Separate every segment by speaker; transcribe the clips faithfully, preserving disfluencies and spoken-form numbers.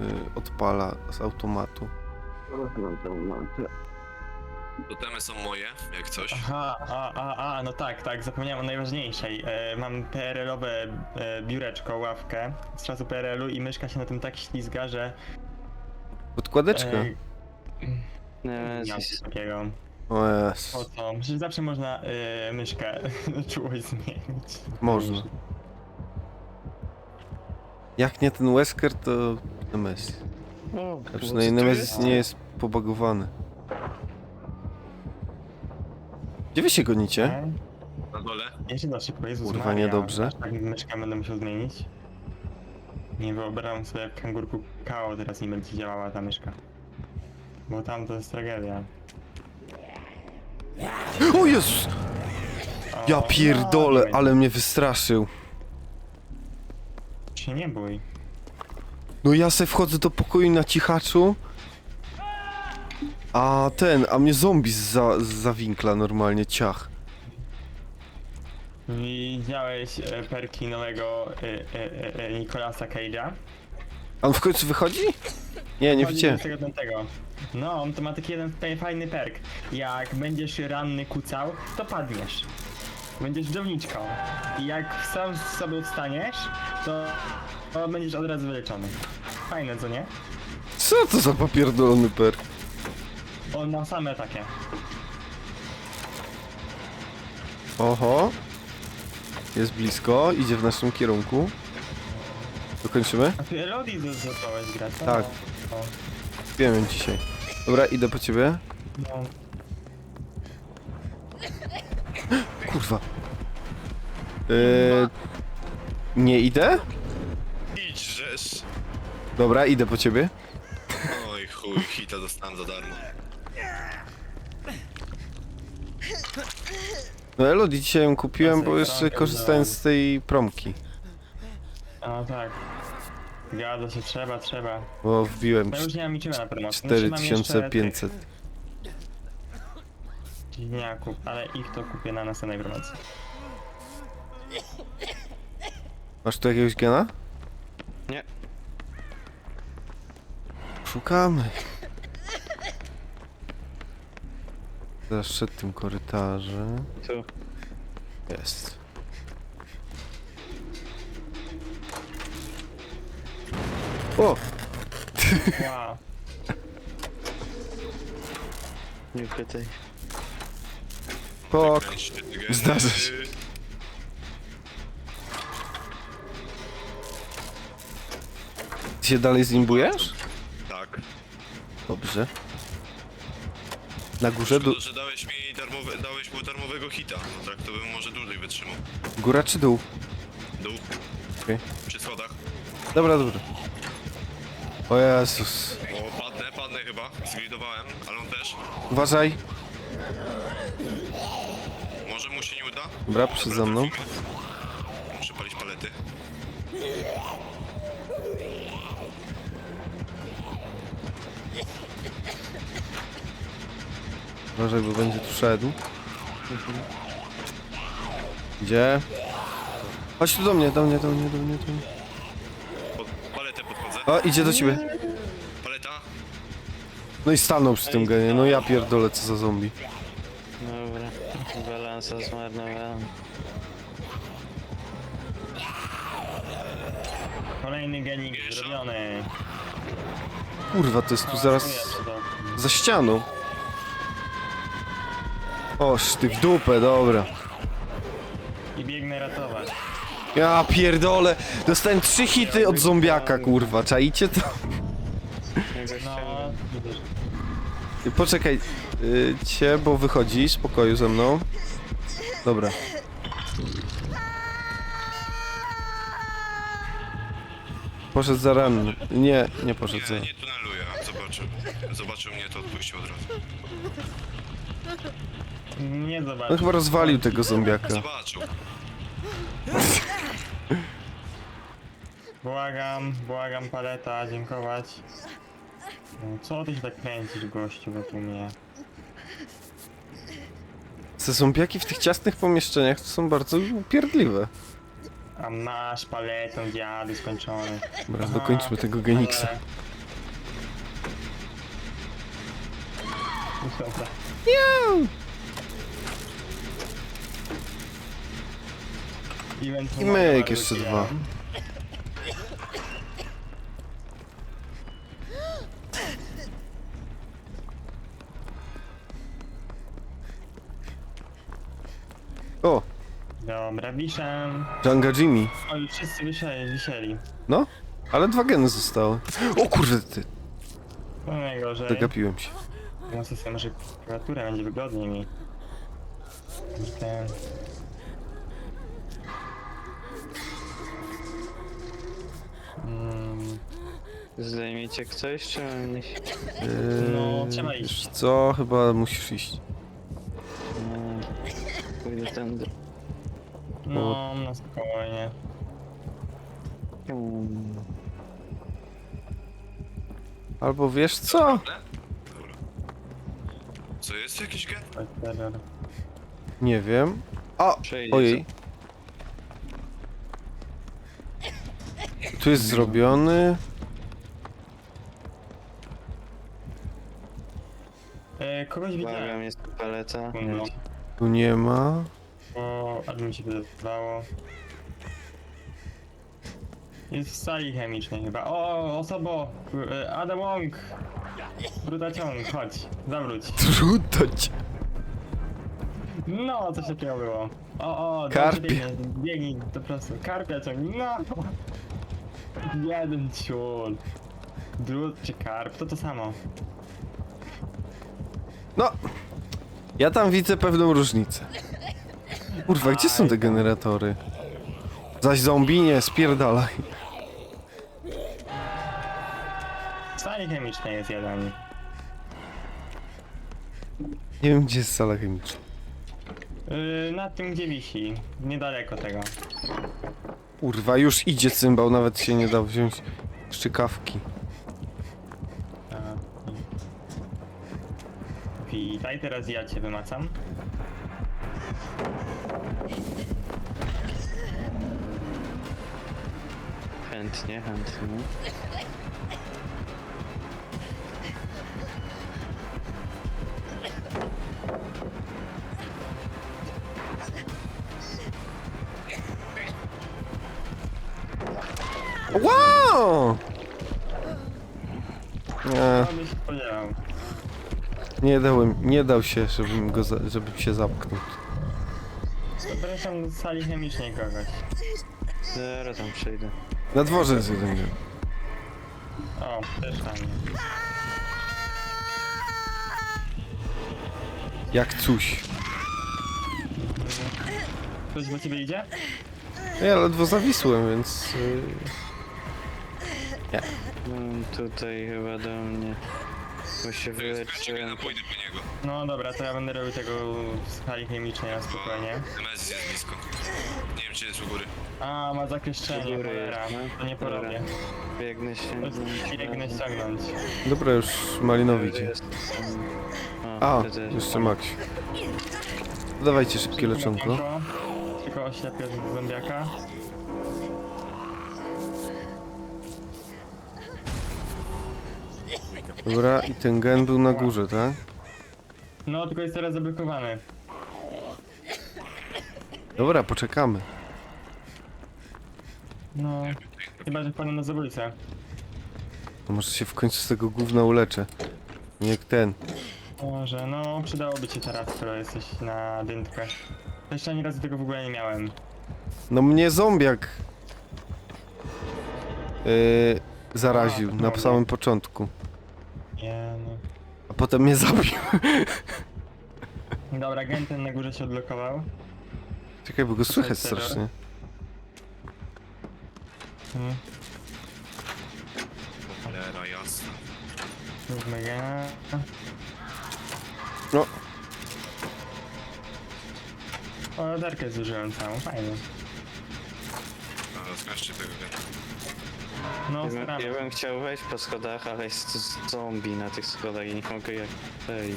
Speaker 1: odpala z automatu.
Speaker 2: Totemy są moje, jak coś.
Speaker 3: Aha, a, a, a, no tak, tak, zapomniałem o najważniejszej. E, mam P R L-owe e, biureczko, ławkę z czasu P R L-u i myszka się na tym tak ślizga, że...
Speaker 1: Podkładeczka?
Speaker 3: E,
Speaker 4: Nie,
Speaker 3: nie mam
Speaker 4: coś...
Speaker 3: coś takiego.
Speaker 1: O
Speaker 3: Po
Speaker 1: Jezu.
Speaker 3: co? Przecież zawsze można e, myszkę czułość zmienić.
Speaker 1: Można. Jak nie ten Wesker, to Nemesis.
Speaker 4: O,
Speaker 1: A przynajmniej Nemesis nie jest pobagowany. Gdzie wy się gonicie?
Speaker 3: E,
Speaker 2: Na dole.
Speaker 3: Jeszcze da szybko, Jezus
Speaker 1: Kurwa,
Speaker 3: Maria,
Speaker 1: niedobrze.
Speaker 3: aż tak myszkę będę musiał zmienić. Nie wyobrażam sobie, jak kangurku K O teraz nie będzie działała ta myszka. Bo tam to jest tragedia.
Speaker 1: O Jezus! Ja
Speaker 3: O,
Speaker 1: pierdolę,
Speaker 3: no,
Speaker 1: ale mnie wystraszył.
Speaker 3: się nie bój.
Speaker 1: No ja se wchodzę do pokoju na cichaczu. A ten, a mnie zombie za, za winkla normalnie, ciach.
Speaker 3: Widziałeś e, perki nowego e, e, e, Nicolasa Cage'a?
Speaker 1: A on w końcu wychodzi? Nie, nie
Speaker 3: Chodzi
Speaker 1: widziałem.
Speaker 3: do tego, do tego. No, on to ma taki jeden tutaj fajny perk. Jak będziesz ranny kucał, to padniesz. Będziesz downiczką. I jak sam z sobie wstaniesz, to, to będziesz od razu wyleczony. Fajne, co nie?
Speaker 1: Co to za popierdolony perk?
Speaker 3: On ma same takie.
Speaker 1: Oho. Jest blisko, idzie w naszym kierunku. Dokończymy?
Speaker 3: A ty Elodie zacząłeś grać, co?
Speaker 1: Tak.
Speaker 3: O,
Speaker 1: Wiem ją dzisiaj. Dobra, idę po ciebie.
Speaker 3: no.
Speaker 1: Kurwa. Yy, nie idę?
Speaker 2: Idź, żeż.
Speaker 1: Dobra, idę po ciebie.
Speaker 2: Oj chuj, hita dostałem za darmo.
Speaker 1: No Elodie dzisiaj ją kupiłem, bo jeszcze
Speaker 3: Promkę
Speaker 1: korzystałem z tej promki.
Speaker 3: A tak. Gada się, trzeba, trzeba.
Speaker 1: Bo wbiłem
Speaker 3: No już nie mam niczego na promocji.
Speaker 1: cztery tysiące pięćset.
Speaker 3: Dziwniaków, ale ich to kupię na następnej promocji.
Speaker 1: Masz tu jakiegoś gena?
Speaker 4: Nie.
Speaker 1: Szukamy. Zaraz szedł tym korytarzem.
Speaker 4: Tu.
Speaker 1: Jest. O!
Speaker 3: Wow.
Speaker 4: Nie pytaj.
Speaker 1: Pok!
Speaker 2: Kręć się, ty geny.
Speaker 1: Zdarza się. Ty się dalej zimbujesz?
Speaker 2: Tak.
Speaker 1: Dobrze. Na górze, dół.
Speaker 2: Szkoda, że dałeś mi darmowe, dałeś mu darmowego hita. No tak to bym może dłużej wytrzymał.
Speaker 1: Góra czy dół?
Speaker 2: Dół.
Speaker 1: Okej.
Speaker 2: Przy schodach.
Speaker 1: Dobra, dobra. O Jezus.
Speaker 2: O, padnę, padnę chyba. Zgridowałem, ale on też.
Speaker 1: Uważaj.
Speaker 2: Może mu się nie uda?
Speaker 1: Dobra, przed za mną.
Speaker 2: trafimy. Muszę palić palety.
Speaker 1: Uważaj, bo będzie tu szedł. Gdzie? Chodź tu do mnie, do mnie, do mnie, do mnie, do mnie.
Speaker 2: Pod paletę podchodzę.
Speaker 1: O, idzie do ciebie.
Speaker 2: Paleta.
Speaker 1: No i stanął przy tym genie. No ja pierdolę, co za zombie.
Speaker 4: Dobra. Balansa zmarnowałem.
Speaker 3: Kolejny genik
Speaker 2: Wiesz,
Speaker 3: zrobiony.
Speaker 1: Kurwa, to jest tu zaraz za ścianą. Oż ty w dupę, dobra.
Speaker 3: I biegnę ratować.
Speaker 1: Ja pierdolę. Dostałem trzy hity od zombiaka, kurwa. Czaicie to?
Speaker 3: No, widzisz.
Speaker 1: Poczekaj. Yy, cię, bo wychodzi z pokoju ze mną. Dobra. Poszedł za ranny. Nie, nie poszedł za...
Speaker 2: Nie, nie tuneluje. Zobaczył. Zobaczył mnie, to odpuścił od razu.
Speaker 3: Nie
Speaker 1: On
Speaker 3: zobaczę.
Speaker 1: chyba rozwalił tego zombiaka.
Speaker 2: Zobaczył.
Speaker 3: Błagam, błagam paleta, dziękować. No, co ty się tak kręcisz, gościu, wokół mnie?
Speaker 1: Te zombiaki w tych ciasnych pomieszczeniach to są bardzo upierdliwe.
Speaker 3: A masz paletą, dziady skończony.
Speaker 1: Dobra,
Speaker 3: Aha,
Speaker 1: dokończmy tego Geniksa.
Speaker 3: ale Dobra. Event
Speaker 1: I
Speaker 3: numer
Speaker 1: myk
Speaker 3: bardzo
Speaker 1: jeszcze
Speaker 3: kijam.
Speaker 1: dwa. O,
Speaker 3: Dobra, wiszę.
Speaker 1: Janga Jimmy.
Speaker 3: O, już wszyscy wisieli, wisieli.
Speaker 1: No, ale dwa geny zostały. O kurde, ty,
Speaker 3: No najgorzej.
Speaker 1: zagapiłem się.
Speaker 3: No sobie może klawiaturę, będzie wygodniej mi. Ten... Mm,
Speaker 4: Zdejmijcie ktoś, czy mam iść?
Speaker 3: No,
Speaker 1: Eee,
Speaker 3: trzeba iść.
Speaker 1: wiesz co, chyba musisz iść.
Speaker 4: No, pójdę tędy.
Speaker 3: no, no spokojnie.
Speaker 4: Mm.
Speaker 1: Albo wiesz co?
Speaker 2: Dobra. Co, jest jakiś gen?
Speaker 3: Chodź, terror.
Speaker 1: Nie wiem. O,
Speaker 4: Przejdzie,
Speaker 1: ojej. Tu jest zrobiony.
Speaker 3: E, kogoś
Speaker 4: co?
Speaker 3: widziałem.
Speaker 4: Błagam, jest tu paleta.
Speaker 3: No,
Speaker 1: Tu nie ma.
Speaker 3: bo albo mi się wydawało. Jest w sali chemicznej chyba. O, osobo! E, Adam Wong! Brutaciąg, chodź, zawróć.
Speaker 1: Trudać.
Speaker 3: No, coś takiego było. O, o,
Speaker 1: Karpie.
Speaker 3: dobrze biegnie, biegnij po prostu. Karpia ciągnij, no! Jeden ciul. Drut czy karp, to to samo.
Speaker 1: No. Ja tam widzę pewną różnicę. Kurwa, gdzie są te generatory? Zaś zombie nie, spierdalaj.
Speaker 3: W sali chemicznej jest jeden.
Speaker 1: Nie wiem, gdzie jest sala chemiczna.
Speaker 3: Yy, na tym gdzie wisi, niedaleko tego.
Speaker 1: Kurwa, już idzie cymbał, nawet się nie dał wziąć szczykawki.
Speaker 3: A, i- Witaj, teraz ja cię wymacam.
Speaker 4: Chętnie, chętnie.
Speaker 1: Wow! Nie,
Speaker 3: Co byś spodziewał?
Speaker 1: nie dałem, nie dał się, żebym go, za, żebym się zamknął.
Speaker 3: Zapraszam do sali chemicznej kogoś.
Speaker 4: Zaraz tam przejdę.
Speaker 1: Na dworze jest jeden gen.
Speaker 3: O, też tam.
Speaker 1: Jak coś.
Speaker 3: Ktoś do ciebie idzie?
Speaker 1: Ja ledwo zawisłem, więc... y,
Speaker 4: No, tutaj chyba do mnie. Bo się
Speaker 2: To jest jeszcze
Speaker 4: wyleczyłem.
Speaker 2: gena, pójdę po niego.
Speaker 3: No dobra, to ja będę robił tego w sali chemicznej na spokojnie.
Speaker 2: Nemezis jest blisko. Nie wiem, czy jest u góry.
Speaker 3: A, ma zakleszczenie,
Speaker 4: U góry
Speaker 3: cholera.
Speaker 4: jest, no.
Speaker 3: To nie
Speaker 4: Dobra.
Speaker 3: porobię.
Speaker 4: Biegnę się.
Speaker 3: Biegnę ściągnąć.
Speaker 1: Dobra, już Malinowi idzie. A, jeszcze Max. Dawajcie szybkie leczonko.
Speaker 3: Tylko oślepię zombiaka.
Speaker 1: Dobra, i ten gen był na górze, tak?
Speaker 3: No, tylko jest teraz zablokowany.
Speaker 1: Dobra, poczekamy.
Speaker 3: No, chyba, że wpadłem na zabójcę.
Speaker 1: To może się w końcu z tego gówna uleczę. Nie jak ten.
Speaker 3: Może, no, przydałoby ci teraz, skoro jesteś na dętkach. Jeszcze ani razu tego w ogóle nie miałem.
Speaker 1: No mnie zombiak yy, zaraził
Speaker 3: A,
Speaker 1: na
Speaker 3: dobra.
Speaker 1: samym początku.
Speaker 3: Nie, no.
Speaker 1: A potem mnie zabił.
Speaker 3: Dobra, gen ten na górze się odblokował.
Speaker 1: Czekaj, bo go słychać
Speaker 3: terror.
Speaker 1: strasznie.
Speaker 3: Hmm.
Speaker 2: Cholera, jasna.
Speaker 3: Zróbmy gena.
Speaker 1: No,
Speaker 3: O, latarkę zużyłem całą, fajnie.
Speaker 2: A, zgaszcie tego gena.
Speaker 3: No,
Speaker 4: Ja bym,
Speaker 3: staramy
Speaker 4: ja
Speaker 3: się.
Speaker 4: bym chciał wejść po schodach, ale jest z- zombie na tych schodach i nie mogę jak wejść.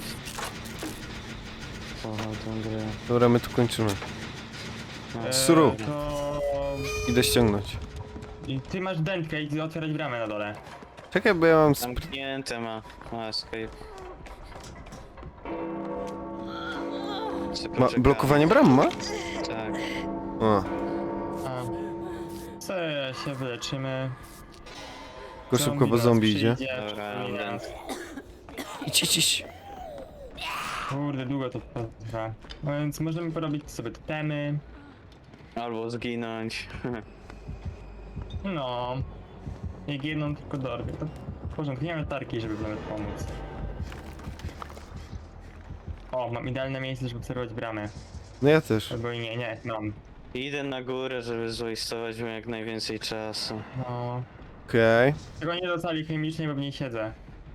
Speaker 4: O, tą grę.
Speaker 1: dobra, my tu kończymy.
Speaker 4: No,
Speaker 3: E,
Speaker 1: Suru.
Speaker 3: To...
Speaker 1: Idę ściągnąć.
Speaker 3: I ty masz dętkę i otwierać bramę na dole.
Speaker 1: Czekaj, bo ja mam... Sp-
Speaker 4: zamknięte ma. Ma escape. sobie
Speaker 1: Ma,
Speaker 4: poczekamy.
Speaker 1: blokowanie bram ma?
Speaker 4: Tak.
Speaker 1: A,
Speaker 3: A. Co się wyleczymy?
Speaker 1: tylko szybko, bo
Speaker 3: nas
Speaker 1: zombie idzie.
Speaker 3: przyjdzie,
Speaker 4: Dobra,
Speaker 3: przyjmie
Speaker 4: ten.
Speaker 3: nas.
Speaker 1: Idź, idź, idź.
Speaker 3: Kurde, długo to trwa. No więc możemy porobić sobie totemy.
Speaker 4: Albo zginąć.
Speaker 3: No. Jak jedną tylko dorwę, to w porządku, nie mamy tarki, żeby nawet pomóc. O, mam idealne miejsce, żeby obserwować bramę.
Speaker 1: No ja też.
Speaker 3: Albo i nie, nie, mam.
Speaker 4: Idę na górę, żeby zwastować mu jak najwięcej czasu.
Speaker 3: No.
Speaker 1: Okej.
Speaker 3: Tego nie do sali chemicznej, bo w niej siedzę.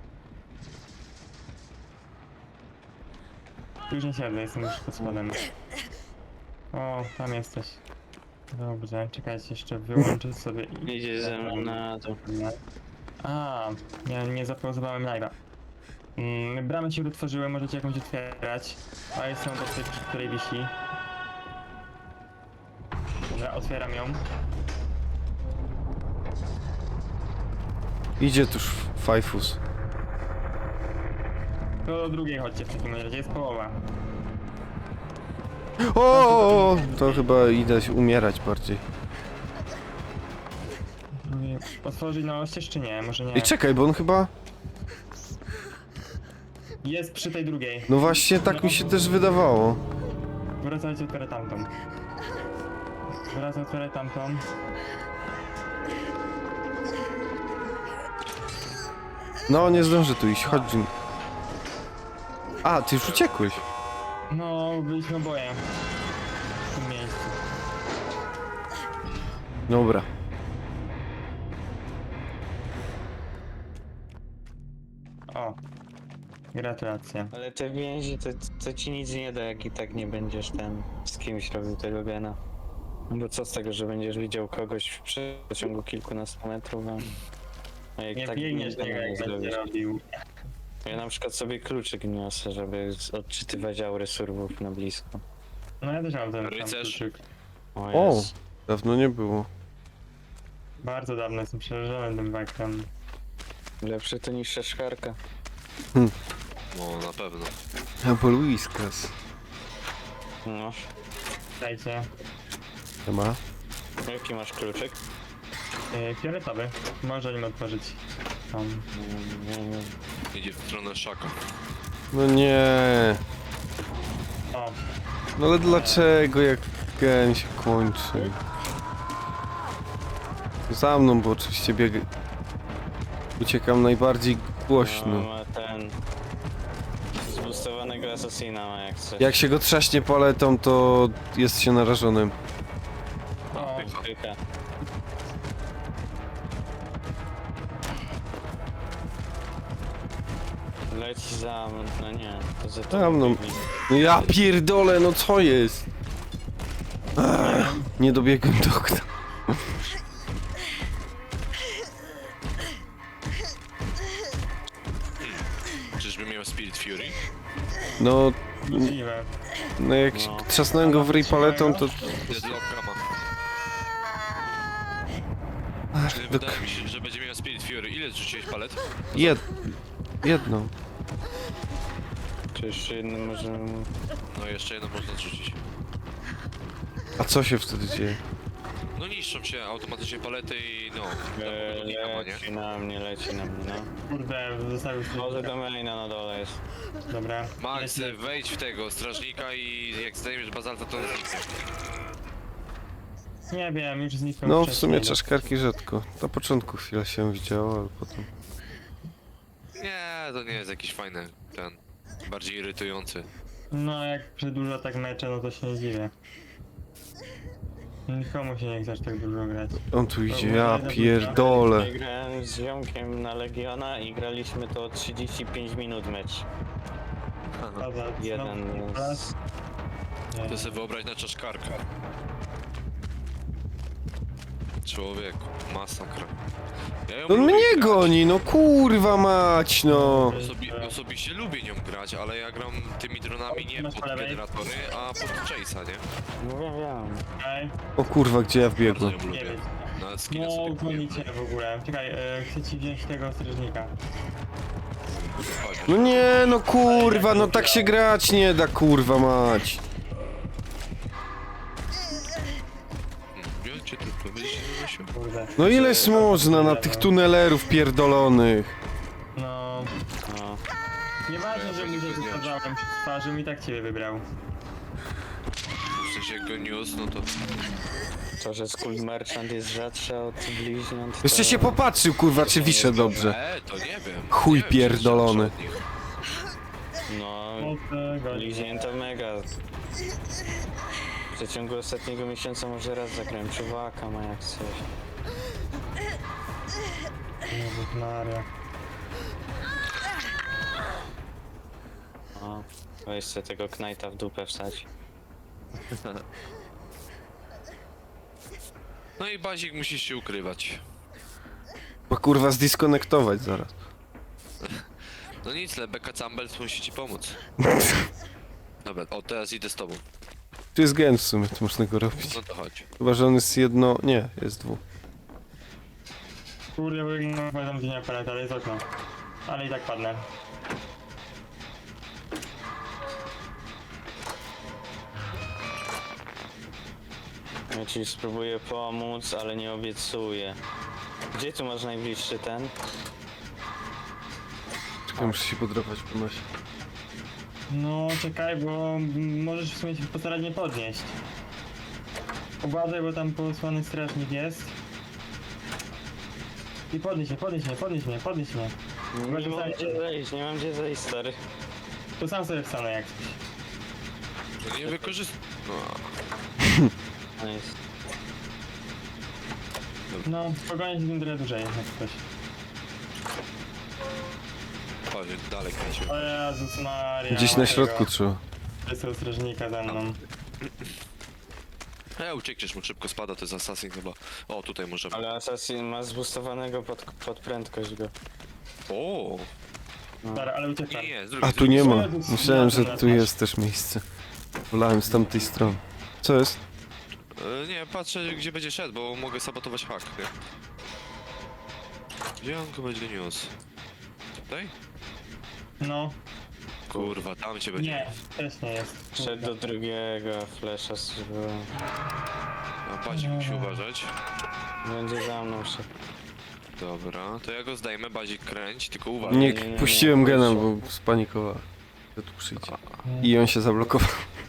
Speaker 3: Już nie siedzę, jestem już pod spodem. O, tam jesteś. Dobrze, czekajcie, jeszcze wyłączę sobie i...
Speaker 4: Idzie ze mną na dół.
Speaker 3: A, ja nie zapauzowałem live'a. Mm, bramy się otworzyły, możecie jakąś otwierać. A jest są do tej, przy której wisi. Dobra, otwieram ją.
Speaker 1: Idzie tuż Fajfus.
Speaker 3: To do drugiej chodźcie w takim razie, jest połowa.
Speaker 1: O, o, o, to chyba idę się umierać bardziej.
Speaker 3: Drugiej- Otworzyć na oścież czy nie? Może nie.
Speaker 1: Ej, czekaj, bo on chyba...
Speaker 3: Jest przy tej drugiej.
Speaker 1: No właśnie, tak mi się też wydawało.
Speaker 3: Wracajcie, otwieraj tamtą. Wracaj, otwieraj tamtą.
Speaker 1: No, nie zdążę tu iść, chodź Jim. A, ty już uciekłeś.
Speaker 3: No, byliśmy oboje. W tym miejscu.
Speaker 1: Dobra.
Speaker 3: O. Gratulacje.
Speaker 4: Ale te więzi to, to ci nic nie da, jak i tak nie będziesz ten z kimś robił tego gena. Bo co z tego, że będziesz widział kogoś w przeciągu kilkunastu metrów, a, a jak
Speaker 3: Nie
Speaker 4: tak
Speaker 3: biegniesz
Speaker 4: gena
Speaker 3: tego, jak będzie
Speaker 4: zrobisz.
Speaker 3: robił.
Speaker 4: Ja na przykład sobie kluczyk niosę, żeby z- odczytywać aury surwów na blisko.
Speaker 3: No ja też mam ten sam
Speaker 2: Rycerz.
Speaker 3: kluczyk.
Speaker 4: O,
Speaker 1: O,
Speaker 4: jest.
Speaker 1: dawno nie było.
Speaker 3: Bardzo dawno jestem przerażony tym bakiem.
Speaker 4: Lepsze to niż szeszkarka.
Speaker 2: No, na pewno.
Speaker 1: Albo Luiskas.
Speaker 4: No.
Speaker 3: Dajcie.
Speaker 1: Ma.
Speaker 4: Jaki masz kluczyk?
Speaker 3: Yy, fioletowy. Może nim otworzyć. Tam.
Speaker 4: Nie, nie.
Speaker 2: Idzie w stronę szaka.
Speaker 1: No nie.
Speaker 3: O,
Speaker 1: No ale dlaczego, jak gen się kończy? Za mną, bo oczywiście bieg... Uciekam najbardziej
Speaker 4: No,
Speaker 1: głośno.
Speaker 4: ma ten... Zbustowanego asasina ma jak coś.
Speaker 1: Jak się go trzaśnie paletą, to jest się narażonym.
Speaker 3: o.
Speaker 4: Pycha. Leci za mną, no nie, to za
Speaker 1: Za
Speaker 4: tobą
Speaker 1: mną.
Speaker 4: biegnie.
Speaker 1: No ja pierdolę, no co jest? Ach, nie dobiegłem do okna.
Speaker 2: Czyżby miał Spirit Fury?
Speaker 1: No,
Speaker 3: Możliwe.
Speaker 1: no jak
Speaker 4: No.
Speaker 1: trzasnąłem go w ryj paletą, to...
Speaker 2: Deadlock Kama.
Speaker 1: Ach,
Speaker 2: Czy
Speaker 1: do...
Speaker 2: wydaje mi się, że będzie miał Spirit Fury. Ile zrzuciłeś palet?
Speaker 1: Jed... Jedną.
Speaker 4: Czy jeszcze jedno może...
Speaker 2: No jeszcze jedno można zrzucić.
Speaker 1: A co się wtedy dzieje?
Speaker 2: No niszczą się automatycznie palety i no,
Speaker 4: E,
Speaker 2: do Kama, nie?
Speaker 4: leci na mnie, leci na mnie, no.
Speaker 3: Kurde, zostawił się.
Speaker 4: Może do maina na dole jest.
Speaker 3: Dobra.
Speaker 2: Max,
Speaker 3: Leci.
Speaker 2: wejdź w tego strażnika i jak zdejmiesz bazalta, to zniknie.
Speaker 3: Nie wiem, już zniknął
Speaker 1: No w
Speaker 3: wcześniej.
Speaker 1: sumie czaszkarki rzadko. Na początku chwilę się widziało, ale potem...
Speaker 2: Nie, to nie jest jakiś fajny, ten, bardziej irytujący.
Speaker 3: No, jak przedłuża tak mecze, no to się nie dziwię. Nikomu się nie chce aż tak dużo grać.
Speaker 1: On tu idzie, ja pierdolę.
Speaker 4: Ja grałem z ziomkiem na Legiona i graliśmy to trzydzieści pięć minut mecz.
Speaker 3: Pada,
Speaker 4: Jeden
Speaker 3: znowu
Speaker 4: z...
Speaker 3: raz. Nie.
Speaker 2: To sobie wyobraź na czaszkarkę. Człowieku, masakra. Ja ją
Speaker 1: On
Speaker 2: lubię
Speaker 1: mnie
Speaker 2: grać.
Speaker 1: goni, no kurwa mać, no.
Speaker 2: Osobi osobiście lubię nią grać, ale ja gram tymi dronami nie
Speaker 3: Masz
Speaker 2: pod
Speaker 3: po lewej?
Speaker 2: generatory, a pod Chase'a, nie?
Speaker 4: No wiem, wiem.
Speaker 3: Okej,
Speaker 1: O kurwa, gdzie ja
Speaker 2: Bardzo
Speaker 1: wbiegłem?
Speaker 2: ją
Speaker 3: nie
Speaker 2: lubię.
Speaker 3: wiem.
Speaker 2: Nawet skina
Speaker 3: No,
Speaker 2: sobie kupiłem.
Speaker 3: gonicie w ogóle. Czekaj, e, chcę ci wziąć tego strażnika.
Speaker 2: Chodź.
Speaker 1: No nie, no kurwa, no tak się grać nie da, kurwa mać.
Speaker 3: Kurde.
Speaker 1: No ileż można na tych tunelerów pierdolonych?
Speaker 3: No...
Speaker 4: No.
Speaker 3: Nieważne, że mu się wysadzałem przed twarzą i tak ciebie wybrał.
Speaker 2: W sensie jak go niósł, no to...
Speaker 4: To, że Skull Merchant jest rzadsza od bliźniąt, to...
Speaker 1: Jeszcze się popatrzył, kurwa, czy wiszę dobrze.
Speaker 2: E, to nie wiem.
Speaker 1: Chuj
Speaker 2: Nie wiem, czy
Speaker 1: pierdolony.
Speaker 2: jest lepszy od nich.
Speaker 4: No,
Speaker 3: O tego.
Speaker 4: bliźnięta mega. W przeciągu ostatniego miesiąca może raz zagrałem czuwaka, ma jak coś.
Speaker 3: Jezus Maria.
Speaker 4: No, weź sobie tego knajta w dupę wstać.
Speaker 2: No i Bazik musisz się ukrywać.
Speaker 1: Bo kurwa zdiskonektować zaraz.
Speaker 2: No nic, Lebeka Cambels musi ci pomóc. Dobra, o teraz idę z tobą.
Speaker 1: Tu jest gen w sumie, to można go robić.
Speaker 2: No to chodź.
Speaker 1: Chyba, że on jest jedno... Nie, jest dwu.
Speaker 3: Kurde, bo no, pamiętam gdzie nie aparat, ale jest okno. Ale i tak padnę.
Speaker 4: Ja ci spróbuję pomóc, ale nie obiecuję. Gdzie tu masz najbliższy ten?
Speaker 1: Czekaj, muszę się podrapać po nosie.
Speaker 3: No czekaj, bo m- możesz w sumie się postarać nie podnieść. Uważaj, bo tam posłany strażnik jest. I podnieś mnie, podnieś mnie, podnieś mnie, podnieś mnie.
Speaker 4: Nie
Speaker 3: że
Speaker 4: mam
Speaker 3: zajdzie.
Speaker 4: gdzie zejść, nie mam gdzie zejść, stary.
Speaker 3: To sam sobie wstanę jak coś.
Speaker 2: No nie wykorzystaj. No,
Speaker 4: Nice.
Speaker 3: No, spokojnie się tym trochę dłużej, jak coś.
Speaker 2: chodź, dalej kręcił.
Speaker 3: O Jezus Maria.
Speaker 1: Gdzieś na środku trzeba.
Speaker 3: Jest strażnika za mną.
Speaker 2: E, uciekniesz mu, szybko spada, to jest assassin chyba. O, tutaj możemy.
Speaker 4: Ale Assassin ma zboostowanego pod, pod prędkość go.
Speaker 2: O,
Speaker 3: Dobra, ale uciekam.
Speaker 2: nie, nie, z drugiej
Speaker 1: A tu nie ma.
Speaker 3: Jezus,
Speaker 1: Myślałem, że
Speaker 3: na
Speaker 1: tu
Speaker 3: twarz.
Speaker 1: jest też miejsce. Wolałem z tamtej strony. Co jest?
Speaker 2: E, nie, patrzę gdzie będzie szedł, bo mogę sabotować hak, nie? Gdzie on go będzie niósł? Tutaj?
Speaker 3: No,
Speaker 2: Kurwa, tam cię będzie.
Speaker 3: nie, też nie jest.
Speaker 4: Szedł do drugiego, flesza zrobiłem.
Speaker 2: A Bazik musi uważać.
Speaker 4: Będzie za mną szedł.
Speaker 2: Dobra, to ja go zdejmę, Bazik kręć, tylko uważaj.
Speaker 1: Nie,
Speaker 4: nie, nie, nie,
Speaker 1: puściłem
Speaker 4: nie,
Speaker 1: gena,
Speaker 4: nie.
Speaker 1: bo spanikowałem. Że tu przyjdzie. I on się zablokował.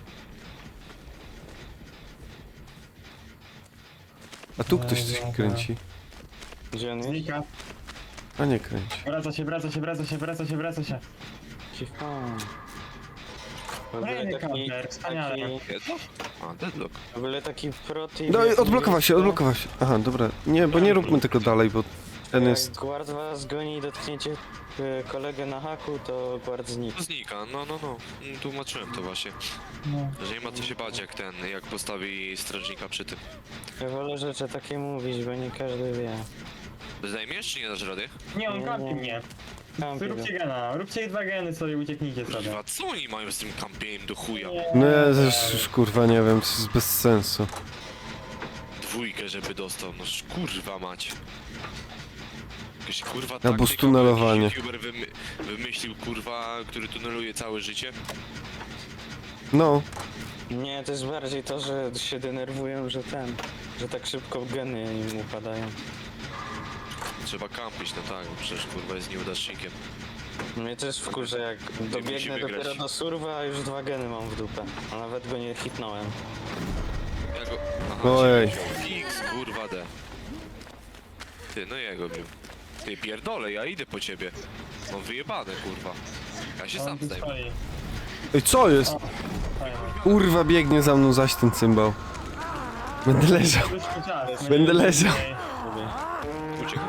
Speaker 1: A tu ktoś coś kręci.
Speaker 4: Gdzie on jest?
Speaker 3: Znika.
Speaker 1: A nie kręci.
Speaker 3: Wraca się, wraca się, wraca się, wraca się, wraca się.
Speaker 4: Cicho. W ogóle
Speaker 3: Kolejny
Speaker 4: taki,
Speaker 3: counter, wspaniale.
Speaker 4: taki,
Speaker 2: Deadlock? A, deadlock.
Speaker 4: w ogóle taki proti...
Speaker 1: No i odblokował się, odblokował się. Aha, dobra. Nie, bo nie róbmy tego dalej, bo ten
Speaker 4: Jak
Speaker 1: jest...
Speaker 4: guard was goni i dotkniecie e, kolegę na haku, to guard znika.
Speaker 2: To znika, no, no, no. Mm, Tłumaczyłem to właśnie.
Speaker 3: No.
Speaker 2: Że nie ma co się bać jak ten, jak postawi strażnika przy tym.
Speaker 4: Ja wolę rzeczy takie mówić, bo nie każdy wie.
Speaker 2: Zdejmiesz czy nie dasz rady?
Speaker 3: Nie, on
Speaker 4: Nie,
Speaker 3: kampi
Speaker 4: nie.
Speaker 3: mnie.
Speaker 4: Kampi go.
Speaker 3: Róbcie gena, róbcie dwa geny sobie, ucieknijcie sobie.
Speaker 2: Kurwa, co oni mają z tym kampieniem do chuja?
Speaker 1: No ja też już kurwa nie wiem, to jest bez sensu.
Speaker 2: Dwójkę, żeby dostał, no sz- kurwa mać. Jakaś kurwa
Speaker 1: Albo
Speaker 2: taktyka,
Speaker 1: stunelowanie.
Speaker 2: jakiś youtuber wymy wymyślił kurwa, który tuneluje całe życie.
Speaker 1: No,
Speaker 4: Nie, to jest bardziej to, że się denerwują, że ten, że tak szybko geny im upadają.
Speaker 2: Trzeba kampić, no tak, bo przecież kurwa jest nieudacznikiem.
Speaker 4: Mnie też wkurza, jak dobiegnę
Speaker 2: musimy
Speaker 4: dopiero
Speaker 2: grać.
Speaker 4: do surwa, a już dwa geny mam w dupę. A nawet go nie hitnąłem.
Speaker 2: Ja go... Aha,
Speaker 1: Ojej.
Speaker 2: X, kurwa D. Ty, no jego bił. Ty pierdolę, ja idę po ciebie. Mam wyjebane, kurwa. Ja się
Speaker 3: On
Speaker 2: sam
Speaker 3: tu
Speaker 2: zdejmę.
Speaker 3: stoi.
Speaker 1: ej, co jest?
Speaker 3: Fajnie.
Speaker 1: Kurwa biegnie za mną zaś ten cymbał. Będę leżał.
Speaker 3: Wyszły czas.
Speaker 1: Będę leżał.
Speaker 4: Lubię.
Speaker 2: Uciekaj.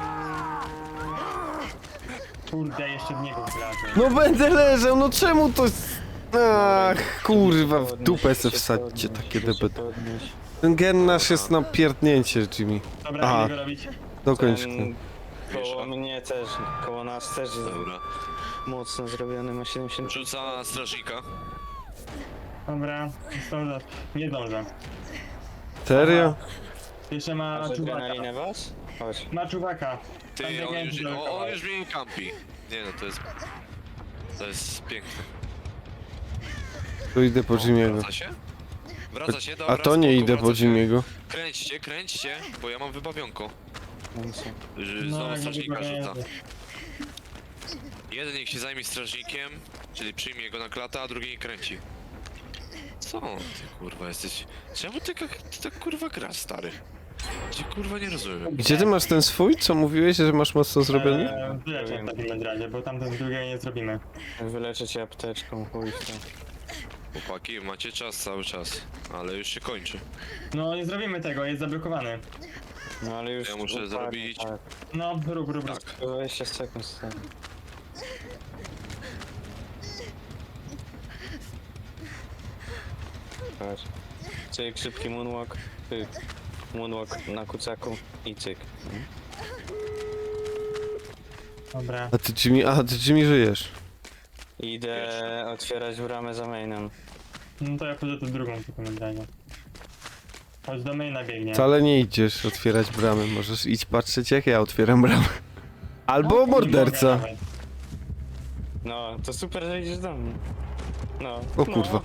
Speaker 3: Kurde, jeszcze w niego wlazłem.
Speaker 1: No będę leżał, no czemu to... Ach, kurwa, w dupę se
Speaker 4: Się
Speaker 1: wsadźcie
Speaker 4: podnieś,
Speaker 1: takie
Speaker 4: się
Speaker 1: debet.
Speaker 4: podnieś.
Speaker 1: Ten gen nasz jest na pierdnięcie, Jimmy.
Speaker 3: Dobra,
Speaker 1: Aha.
Speaker 3: idę go robić.
Speaker 1: Dokończ
Speaker 4: Ten
Speaker 1: ten.
Speaker 4: koło
Speaker 2: Wiesz,
Speaker 4: mnie też, koło nas też jest
Speaker 2: Dobra.
Speaker 4: mocno zrobiony, ma siedemdziesiąt.
Speaker 2: Rzuca strażnika.
Speaker 3: Dobra, zdążę. Nie zdążę.
Speaker 1: Serio?
Speaker 3: Jeszcze ma
Speaker 4: A że
Speaker 3: czuwaka.
Speaker 4: na linę was? Chodź.
Speaker 3: Ma czuwaka. Tam
Speaker 2: Ty,
Speaker 3: biegnie
Speaker 2: on już,
Speaker 3: się
Speaker 2: o,
Speaker 3: dookoła.
Speaker 2: on już mnie kampi. Nie no, to jest... To jest piękne.
Speaker 1: To idę po Jimmy'ego.
Speaker 2: Wraca się? Wraca się, dobra.
Speaker 1: A to nie
Speaker 2: spoko,
Speaker 1: idę
Speaker 2: wraca
Speaker 1: po
Speaker 2: się.
Speaker 1: Jimmy'ego.
Speaker 2: Kręćcie, kręćcie, bo ja mam wybawionko.
Speaker 4: Więc
Speaker 2: Że
Speaker 3: No,
Speaker 2: Znowu
Speaker 3: jak
Speaker 2: strażnika
Speaker 3: nie
Speaker 2: rzuca.
Speaker 3: jest.
Speaker 2: Jeden niech się zajmie strażnikiem, czyli przyjmie go na klatę, a drugi nie kręci. Co ty kurwa jesteś? Czemu ty, jak- ty tak kurwa grasz, stary? Cię kurwa nie rozumiem.
Speaker 1: Gdzie ty masz ten swój? Co mówiłeś, że masz mocno zrobiony?
Speaker 3: Eee, Wyleczę w takim razie, bo tamten drugiego nie zrobimy.
Speaker 4: wyleczę cię apteczką, chuj w to.
Speaker 2: Chłopaki, macie czas cały czas, ale już się kończy.
Speaker 3: No nie zrobimy tego, jest zablokowany.
Speaker 4: No ale już...
Speaker 2: Ja muszę
Speaker 4: dokładnie
Speaker 2: zrobić-
Speaker 4: Tak,
Speaker 3: No, rób, rób, rób.
Speaker 2: Tak.
Speaker 4: dwadzieścia sekund stary. Patrz. Cyk, szybki moonwalk, cyk. Moonwalk na kucaku i cyk.
Speaker 3: Dobra.
Speaker 1: A ty Jimmy, a ty Jimmy żyjesz.
Speaker 4: Idę otwierać bramę za mainem.
Speaker 3: No to ja pójdę tu drugą w takim razie. Chodź do maina biegnie.
Speaker 1: Wcale nie idziesz otwierać bramy, możesz iść patrzeć jak ja otwieram bramę. Albo
Speaker 3: Nie mogę
Speaker 1: morderca.
Speaker 3: nawet.
Speaker 4: No, to super, że idziesz do mnie. No.
Speaker 1: O kurwa.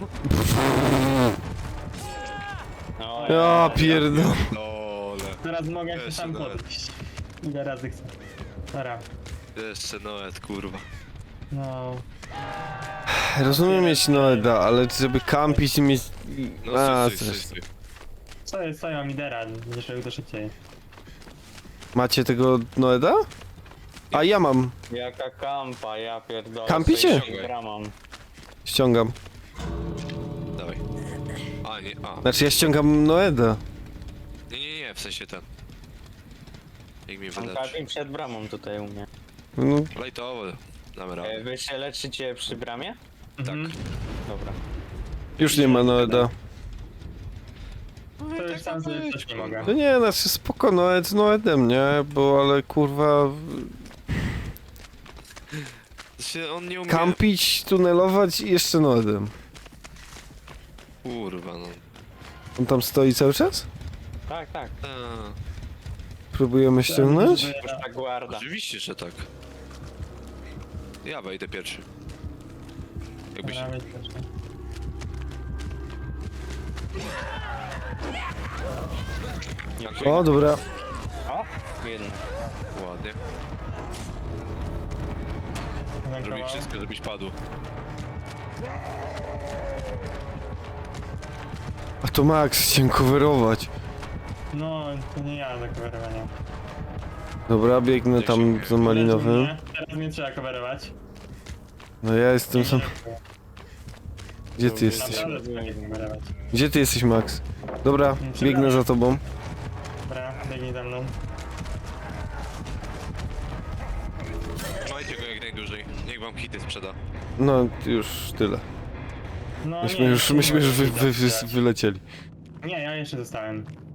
Speaker 4: No,
Speaker 1: Ja pierdolę.
Speaker 2: Dole.
Speaker 3: Teraz mogę się
Speaker 2: Jeszcze
Speaker 3: sam
Speaker 2: nawet.
Speaker 3: podejść. Ile razy chcę. Dobra.
Speaker 2: Jeszcze Noet, kurwa.
Speaker 3: No.
Speaker 1: Rozumiem mieć Noeda, ale żeby kampić i mieć...
Speaker 2: No
Speaker 1: A,
Speaker 2: stój, stój,
Speaker 1: zresztą.
Speaker 2: stój.
Speaker 3: Co jest, co ja mam lidera? Będziesz robił to szybciej.
Speaker 1: Macie tego Noeda? A ja mam.
Speaker 4: Jaka kampa, ja pierdolę.
Speaker 1: Kampicie?
Speaker 4: Stoję bramą.
Speaker 1: Ściągam.
Speaker 2: Dawaj. A, nie, a.
Speaker 1: Znaczy ja ściągam Noeda.
Speaker 2: Nie, nie, nie, w sensie ten. Jak mi
Speaker 4: Mam
Speaker 2: wyleczy.
Speaker 4: karpim przed bramą tutaj u mnie.
Speaker 1: No,
Speaker 2: Lajtowo, damy
Speaker 4: E,
Speaker 2: radę.
Speaker 4: wy się leczycie przy bramie?
Speaker 2: Tak.
Speaker 3: Mhm.
Speaker 4: Dobra.
Speaker 1: już nie ma Noeda.
Speaker 3: To już sam sobie też nie mogę.
Speaker 1: No nie, znaczy spoko, Noed z Noedem, nie? Bo ale kurwa...
Speaker 2: Się on nie umie...
Speaker 1: Kampić, tunelować i jeszcze Noedem.
Speaker 2: Kurwa, no.
Speaker 1: On tam stoi cały czas?
Speaker 4: Tak, tak.
Speaker 2: A,
Speaker 1: Próbujemy ściągnąć?
Speaker 4: Puszcza guarda.
Speaker 2: oczywiście, że tak. Ja wejdę pierwszy. Jakbyś...
Speaker 3: Nawet też nie.
Speaker 1: O, dobra.
Speaker 4: O, jedno.
Speaker 2: Ładnie.
Speaker 3: Jeden
Speaker 2: Robi
Speaker 3: koło.
Speaker 2: wszystko, żebyś padł.
Speaker 1: A to Max, chciałem coverować.
Speaker 3: No, to nie ja do coverowania.
Speaker 1: Dobra, biegnę tam za malinowym.
Speaker 3: Nie, teraz mnie trzeba coverować.
Speaker 1: No ja jestem sam... Gdzie ty jesteś?
Speaker 3: Naprawdę trzeba mnie coverować.
Speaker 1: Gdzie ty jesteś, Max? Dobra, biegnę za tobą.
Speaker 3: Dobra, biegnij za mną.
Speaker 2: Trzymajcie go jak najdłużej. Niech wam hity sprzeda.
Speaker 1: No, już tyle.
Speaker 3: No
Speaker 1: Myśmy
Speaker 3: nie,
Speaker 1: już,
Speaker 3: nie
Speaker 1: myśmy już wy,
Speaker 3: mogę
Speaker 1: wy, wy,
Speaker 3: tak.
Speaker 1: wylecieli.
Speaker 3: Nie, ja jeszcze zostałem.